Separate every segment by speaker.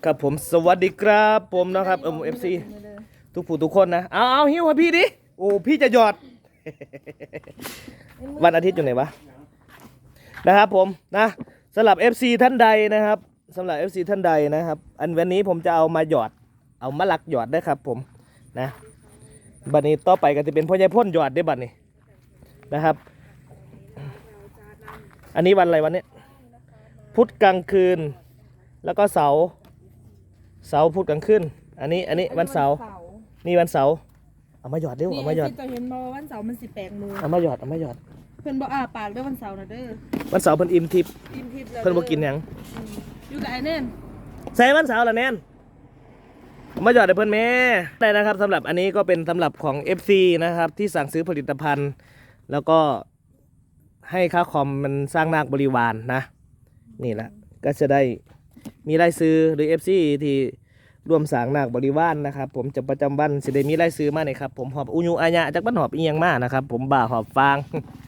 Speaker 1: ครับผมสวัสดีครับผมนะครับFC ทุกผู้ทุกคนนะเอาหิ้วให้พี่ดิโอ้พี่จะหยอด วันอาทิตย์อยู่ไหนวะนะครับผมนะสำหรับ FC ท่านใดนะครับสำหรับ FC ท่านใดนะครับวันนี้ผมจะเอามาหยอดเอามาลักหยอดได้ครับผมนะบัดนี้ต่อไปก็จะเป็นพ่อใหญ่พ่นหยอดได้บัดนี้นะครับอันนี้วันอะไรวันนี้พุธกลางคืนแล้วก็เสาร์พุธกลางคืนอันนี้วันเสาร์นี่วันเสาร์เอามาหยอดเร็วเอามาหยอด
Speaker 2: จะเห็นบ่วันเสาร์มัน18 โมง
Speaker 1: เอามาหยอด
Speaker 2: เพิ่นบ่ปากเด้อวันเสาร์นะเด้อ
Speaker 1: วันเสาร์เพิ่นอิ่มทิพย์
Speaker 2: แล้ว
Speaker 1: เพิ่นบ่กินหยัง
Speaker 2: อยู่กับไอ้แน่น
Speaker 1: ใส่วันเสาร์ละแน่นเอามาหยอดให้เพิ่นแม่ได้นะครับสำหรับอันนี้ก็เป็นสำหรับของ FC นะครับที่สั่งซื้อผลิตภัณฑ์แล้วก็ให้ค่าคอมมันสร้างนาคบริวารนะนี่แหละก็จะได้มีรายซื้อหรือ FC ที่ร่วมสร้างนาคบริวารนะครับผมจะประจำวันสิได้มีรายซื้อมาเนี่ยครับผมหอบอุญุอาญะจากบ้านหอบอีหยังมานะครับผมบ่าหอบฟาง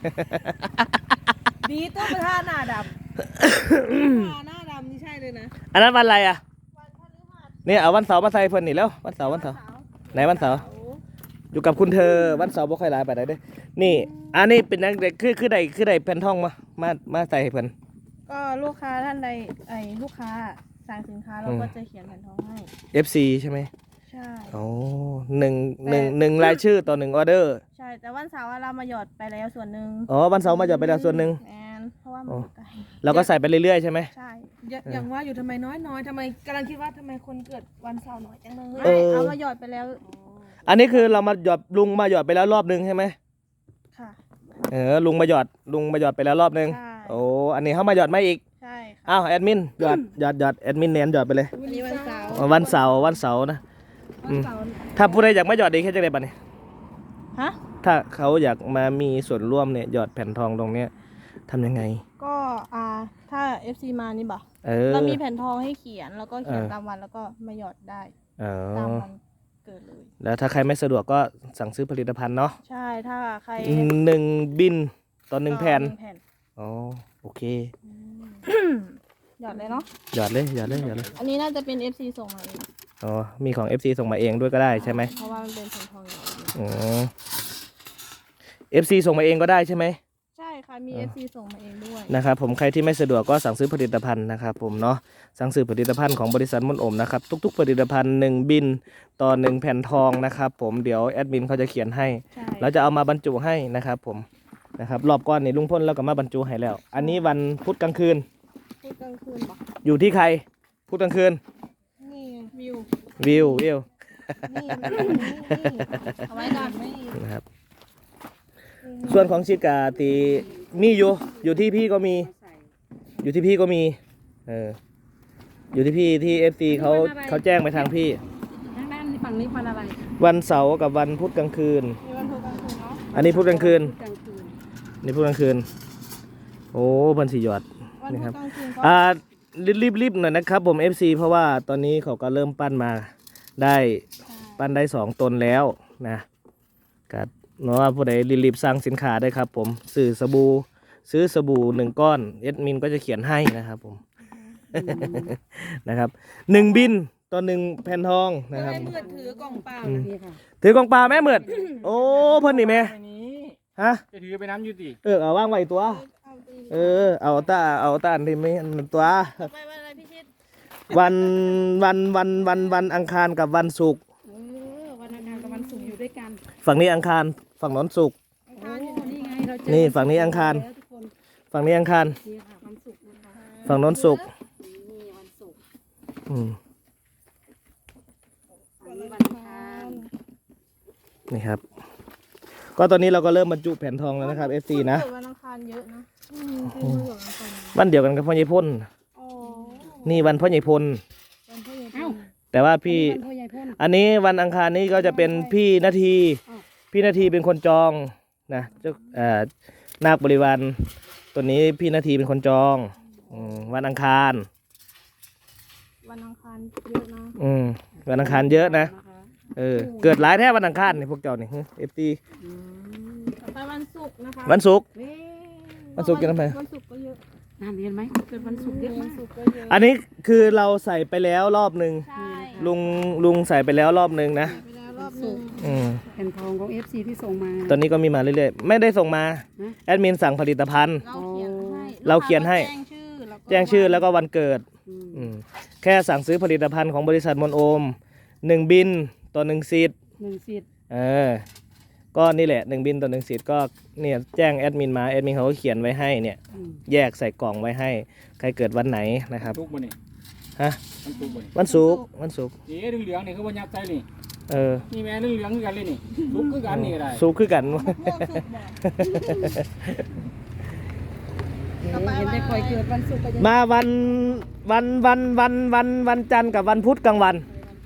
Speaker 2: ดีตัวประธานหน้าดำหน้าดำนี่ใช่เลยนะ
Speaker 1: อันนั้นวันอะไรอ่ะเนี่ยเอาวันเสาร์มาใส่เพิ่นนี่แล้ววันเสาร์ไหนวันเสาร์อยู่กับคุณเธอวันเสาร์บ่ค่อยหลายไปไหนเด้นี่อันนี้เป็นนักเด็กคือได้แผ่นทองมาใส่ให้เพิ่น
Speaker 2: ก็ลูกค้าท่านใดลูกค้าสั่งสินค้าเราก็จะเขียนแผ่นทองให้
Speaker 1: FC ใช่ไหม
Speaker 2: ใช่
Speaker 1: โอ้หนึ่งรายชื่อต่อ1ออเดอร์
Speaker 2: ใช่แต่วันเสาร์เรามาหยอดไปแล้วส่วนหนึ่ง
Speaker 1: อ๋อวันเสาร์มาหยอดไปแล้วส่วนหนึ่ง
Speaker 2: เพราะว่ามันไกล
Speaker 1: เราก็ใส่ไปเรื่อยๆใช่ไหม
Speaker 2: ใช่อย่างว่าอยู่ทำไมน้อยทำไมกำลังคิดว่าทำไมคนเกิดวันเสาร์น้อยจังเลยเอามาหยอดไปแล้ว
Speaker 1: อันนี้คือเรามาหยอดลุงมาหยอดไปแล้วรอบนึงใช่ไหม
Speaker 2: ค่ะ
Speaker 1: ลุงมาหยอดไปแล้วรอบนึงโอ้อันนี้เขามาหยอดมาอีก
Speaker 2: ใช่
Speaker 1: อ้าวแอดมินหยอดแอดมินเน้นหยอดไปเลย
Speaker 2: วันนี้วันเสาร์
Speaker 1: นะวันเสาร์ถ้าผู้ใดอยากมาหยอดดีแค่จะได้บัตรนี่
Speaker 2: ฮะ
Speaker 1: ถ้าเขาอยากมามีส่วนร่วมเนี่ยหยอดแผ่นทองตรงเนี้ยทำยังไง
Speaker 2: ก็ถ้า FC มานี่บ่เรามีแผ่นทองให้เขียนแล้วก็เขียนตามวันแล้วก็มาหยอดได้ตามวันเกิดเลย
Speaker 1: แล้วถ้าใครไม่สะดวกก็สั่งซื้อผลิตภัณฑ์เนาะ
Speaker 2: ใช่ถ้าใคร
Speaker 1: 1 บินต่อ1 แผ่นอ๋อโอเค
Speaker 2: หยอดเลยเนาะ
Speaker 1: หยอดเลย
Speaker 2: อันนี้น่าจะเป็น FC ส่งมาเอง
Speaker 1: อ๋อมีของ FC ส่งมาเองด้วยก็ได้ใช่ไหม
Speaker 2: เพราะว่ามันเป็นแผ่นทอง
Speaker 1: อ๋อ FC ส่งมาเองก็ได้ใช่ไหม
Speaker 2: ใช่ค่ะมี FC ส่งมาเองด้วย
Speaker 1: นะครับผมใครที่ไม่สะดวกก็สั่งซื้อผลิตภัณฑ์นะครับผมเนาะสั่งซื้อผลิตภัณฑ์ของบริษัทมนต์อมนะครับทุกๆผลิตภัณฑ์1 บินต่อ1 แผ่นทองนะครับผมเดี๋ยวแอดมินเขาจะเขียนให้แล้วจะเอามาบรรจุให้นะครับผมนะครับรอบก้อนนี่ลุงพ่นแล้วก็มาบรรจุให้แล้วอันนี้วันพุธกลางคืน
Speaker 2: ปะ
Speaker 1: อยู่ที่ใครพุธกลางคืน
Speaker 2: นี่วิว
Speaker 1: นี่
Speaker 2: เอาไว้ก่อน
Speaker 1: นะครับส่วนของชิกาตีมีอยู่ที่พี่ก็มีอยู่ที่พี่ที่ FC เขาแจ้งไปทางพี่
Speaker 2: ทางด้านฝั่งนี้วันอะไร
Speaker 1: วันเสาร์กับวันพุธกลางคืนอันนี้พุธกลางคืนนี่พุธกลางคืนโอ้พันสี่หยอดนี่ครับรีบหน่อยนะครับผม FC เพราะว่าตอนนี้เขาก็เริ่มปั้นได้2 ตนแล้วนะกัดเนาะผู้ใดรีบสั่งสินค้าได้ครับผมซื้อสบู่1 ก้อนแอดมินก็จะเขียนให้นะครับผมนะครับ1 บินต่อ1 แผ่นทองนะครับ
Speaker 2: เมื่อถือกล่องเปล่า
Speaker 1: ถือกล่องเปล่าแม่เมื่อโอ้เพิ่นนี่แม่ฮะ
Speaker 3: จะถือไปน้ำยูติ
Speaker 1: เอาว่างไว้ตัวเอาตาอันที่ไม่ตัววันอังคารกับวันศุกร์
Speaker 2: วันอังคารกับวันศุกร์อยู่ด้วยกัน
Speaker 1: ฝั่งนี้อังคารฝั่งน้นศุกร์นี่ฝั่งนี้อังคารฝั่งนี้อังคารฝั่งน้นศุกร์นี่ครับก็ตอนนี้เราก็เริ่มบรรจุแผ่นทองแล้วนะครับ FC นะ
Speaker 2: วันอังคารเยอะนะ
Speaker 1: วันเดียวกันกับพ่อใหญ่พลนี่วันพ่อใหญ่พลแต่ว่าพี่อันนี้วันอังคารนี้ก็จะเป็นพี่นาทีเป็นคนจองนะเจ้านาคบริวารตัวนี้พี่นาทีเป็นคนจองวันอังคาร
Speaker 2: เยอะนะ
Speaker 1: วันอังคารเยอะนะเกิดหลายแท้วันอังคารนี่พวกเจ้านี่FT
Speaker 2: ไปวันศุกร์นะคะ
Speaker 1: วันศุกร์จะทำไม
Speaker 2: วันศุกร์ก็เยอะ
Speaker 3: นั่นเห็นไหมเกิดวันศุกร์เยอะมาก
Speaker 2: สุกก็เยอะ
Speaker 1: อันนี้คือเราใส่ไปแล้วรอบหนึ่ง
Speaker 2: ใช่
Speaker 1: ลุงใส่ไปแล้วรอบหนึ่งนะ
Speaker 2: ไปแล้วรอบหนึง
Speaker 1: อืม
Speaker 3: แผ่นทองของ FC ที่ส่งมา
Speaker 1: ตอนนี้ก็มีมาเรื่อยๆไม่ได้ส่งมา
Speaker 3: ฮะ
Speaker 1: แอดมินสั่งผลิตภัณฑ์
Speaker 2: เราเขียนให้
Speaker 1: เราเขียนให้ แจ้งชื่อแล้วก็วันเกิด
Speaker 3: อืม
Speaker 1: อืมแค่สั่งซื้อผลิตภัณฑ์ของบริษัทมนโอม1 บินต่อ1สิทธิ์
Speaker 3: 1 สิทธิ์
Speaker 1: ก็นี่แหละ1 บินต่อ1สิทธิ์ก็เนี่ยแจ้งแอดมินมาแอดมินเขาก็เขียนไว้ให้เนี่ย
Speaker 3: อืม
Speaker 1: แยกใส่กล่องไว้ให้ใครเกิดวันไหนนะครับ
Speaker 4: ทุกบ่นี่
Speaker 1: ฮะ
Speaker 4: มันทุกบ่นี่
Speaker 1: วันศุกร์วันศุกร์
Speaker 4: นี่เหลืองๆนี่คือบ่ยักษ์ใจนี่
Speaker 1: เออ
Speaker 4: นี่แม่เหลืองๆคือกันเลยนี่ทุกคือกันนี่ก็ได้
Speaker 1: ศุกร์คือกัน
Speaker 2: ม่วงสุกบอก
Speaker 3: เห็นได้คอยเกิดวันศุกร์ก็ยัง
Speaker 1: มาวันจันทร์กับวันพุธกลางวัน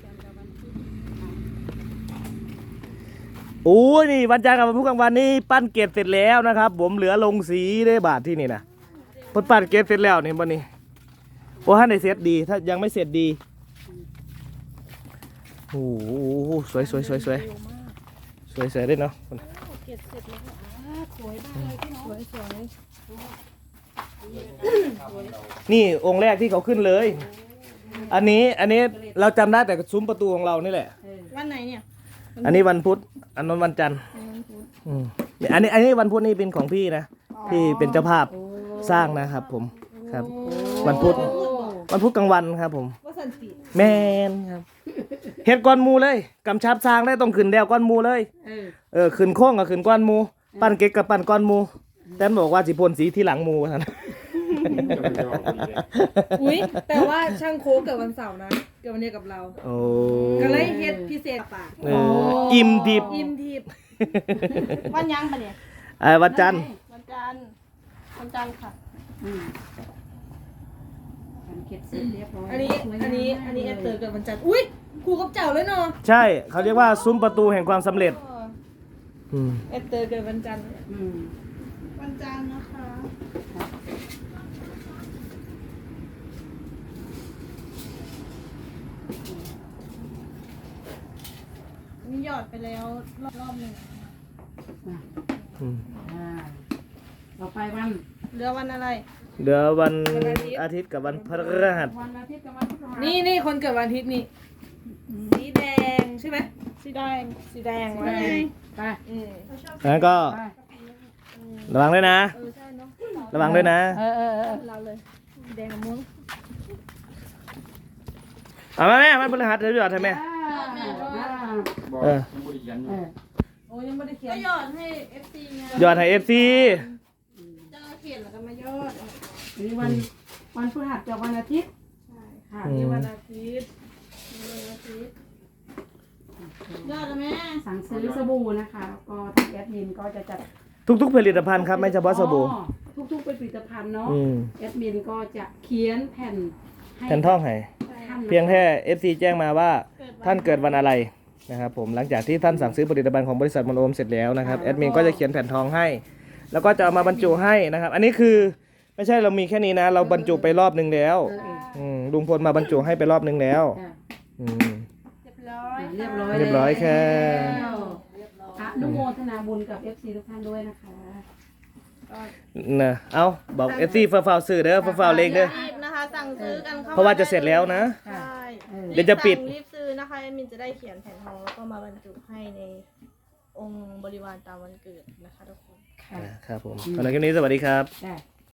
Speaker 1: โอ้ยนี่วันจันทร์กับวันพุธกลางวันนี่ปั้นเกล็ดเสร็จแล้วนะครับ ผมเหลือลงสีได้บาทที่นี่นะพดปั้นเกล็ดเสร็จแล้วนี่วันนี้โอ้ท่านได้เสร็จดีถ้ายังไม่เสร็จดีโอ้โหสวยได้เนาะ
Speaker 2: เก็บเสร็จแล้ว
Speaker 3: สวยมากเลยพี่น้อง
Speaker 2: สวย
Speaker 1: นี่องค์แรกที่เขาขึ้นเลย อันนี้เราจำได้แต่ซุ้มประตูของเรานี่แหละ
Speaker 2: วันไหนเนี่ย
Speaker 1: อันนี้วันพุธอันนั้นวันจันทร์
Speaker 2: วันพุธ
Speaker 1: อืมอันนี้วันพุธนี่เป็นของพี่นะพี่เป็นเจ้าภาพสร้างนะครับ ผมครับ วันพุธกลางวันครับ ผม
Speaker 2: ว่าสันติ
Speaker 1: แมนครับเฮ็ดก้อนหมูเลยกำชับสร้างได้ต้องขึ้นแดวก้อนหมูเลย ขึ้นโค้งกับขึ้นก้อนหมู ปั้นเก๊กกับปั้นก้อนหมูแต่บอกว่าสิพ่นสีที่หลังหมูท่าน
Speaker 5: อุ้ยแต่ว่าช่างโค้กเกิดวันเสาร์นะเกิดวันเดียวกับเรา
Speaker 1: โอ้
Speaker 5: ก็เลยเฮ็ดพิเศษปาก
Speaker 1: อิ่มดิบ
Speaker 5: อิ่มทิพย์
Speaker 2: วันยังปะเนี่ย
Speaker 1: วันจันทร์
Speaker 2: วันจันทร์วันจันทร์ค่ะ
Speaker 3: อืมการเก็บเสร็จเรียบร้อย
Speaker 5: อันนี้แอปเตอร์เกิดวันจันทร์อุ้ยครูกับเจ้าเลยเนาะ
Speaker 1: ใช่เขาเรียกว่าซุ้มประตูแห่งความสำเร็จอืม
Speaker 5: แอปเตอร์เกิดวันจันทร์
Speaker 3: อืม
Speaker 2: วันจันทร์นะคะนี่หยอดไปแล้วรอบหนึ่ง
Speaker 1: อืม
Speaker 3: ต่อไปวัน
Speaker 2: เหลือวันอะไร
Speaker 1: เดี๋ยววันอาทิตย์กับวันพฤหัส
Speaker 3: วันอาทิตย์กับวันพฤหัส
Speaker 5: นี่คนเกิดวันอาทิตย์นี่สีแดงใช่ไหม
Speaker 2: สีแดง
Speaker 5: สีแดง
Speaker 2: สีแดง
Speaker 3: ไป
Speaker 1: งั้นก็
Speaker 3: ไป
Speaker 1: ระวังด้วยนะ
Speaker 2: ใช่เนาะ
Speaker 1: ระวังด้วยนะ
Speaker 2: เราเลยสีแดงกับม่วง
Speaker 1: เอามาแม่มันพฤหัสเดี๋ยวหยอดให้แม่
Speaker 4: บอก
Speaker 1: เออ
Speaker 4: ยังบ่ได้เขียนอยู่
Speaker 5: โอ้ยังไม่ได้เขีย
Speaker 2: ก็
Speaker 5: น
Speaker 2: หยอดให้ FC ไง
Speaker 1: หยอดให้FC
Speaker 2: เจ้าเขียนแล้วก็มายอด
Speaker 3: นี่วันพฤหัสกับวันอาทิตย์
Speaker 2: ใช่
Speaker 3: ค่ะ
Speaker 1: อืม
Speaker 5: นี่วันอาทิตย์
Speaker 2: วันอาทิตย์ยอดแล้วแม่
Speaker 3: สั่งซื้อสบู่นะคะแล้วก็ทางแอดมินก็จะจัด
Speaker 1: ทุกๆผลิตภัณฑ์ครับไม่เฉพาะสบู่
Speaker 3: อ๋อทุกๆเป็นผลิตภัณฑ์เนาะ
Speaker 1: อืม
Speaker 3: แอดมินก็จะเขียนแผ่นให้
Speaker 1: แผ่นท่องให้
Speaker 3: ท่านนะ
Speaker 1: เพียงแค่ FC แจ้งมาว่าท่านเกิดวันอะไรนะครับผมหลังจากที่ท่านสั่งซื้อผลิตภัณฑ์ของบริษัทมนโอมเสร็จแล้วนะครับแอดมินก็จะเขียนแผ่นทองให้ แล้วก็จะเอามาบรรจุให้นะครับ อันนี้คือไม่ใช่เรามีแค่นี้นะ เราบรรจุไปรอบนึงแล้วลุงพลมาบรรจุให้ไปรอบนึงแล้ว
Speaker 3: จ้ะ
Speaker 1: อืม
Speaker 2: เรียบร้อย
Speaker 3: เรียบร้อย
Speaker 1: เรียบร้อยแค่
Speaker 3: แล้วอนุโมทนาบุญกับ FC ทุกท่านด้วยนะคะ
Speaker 1: นะเอาบอก FC ฟ้าวๆซื้อเด้อฟ้าวๆเลขเด้อ
Speaker 2: รีบนะคะสั่งซื้อกันเข้า
Speaker 1: เพราะว่าจะเสร็จแล้วนะ
Speaker 2: ใช่
Speaker 1: เดี๋ยวจะปิด
Speaker 2: รีบซื้อนะคะแอดมินจะได้เขียนแผ่นทองแล้วก็มาบรรจุให้ในองค์บริวารตามวันเกิดนะคะทุกคน
Speaker 3: ค่ะ
Speaker 1: ครับผมสำหรับคลิปนี้สวัสดีครับ
Speaker 3: จ้ะ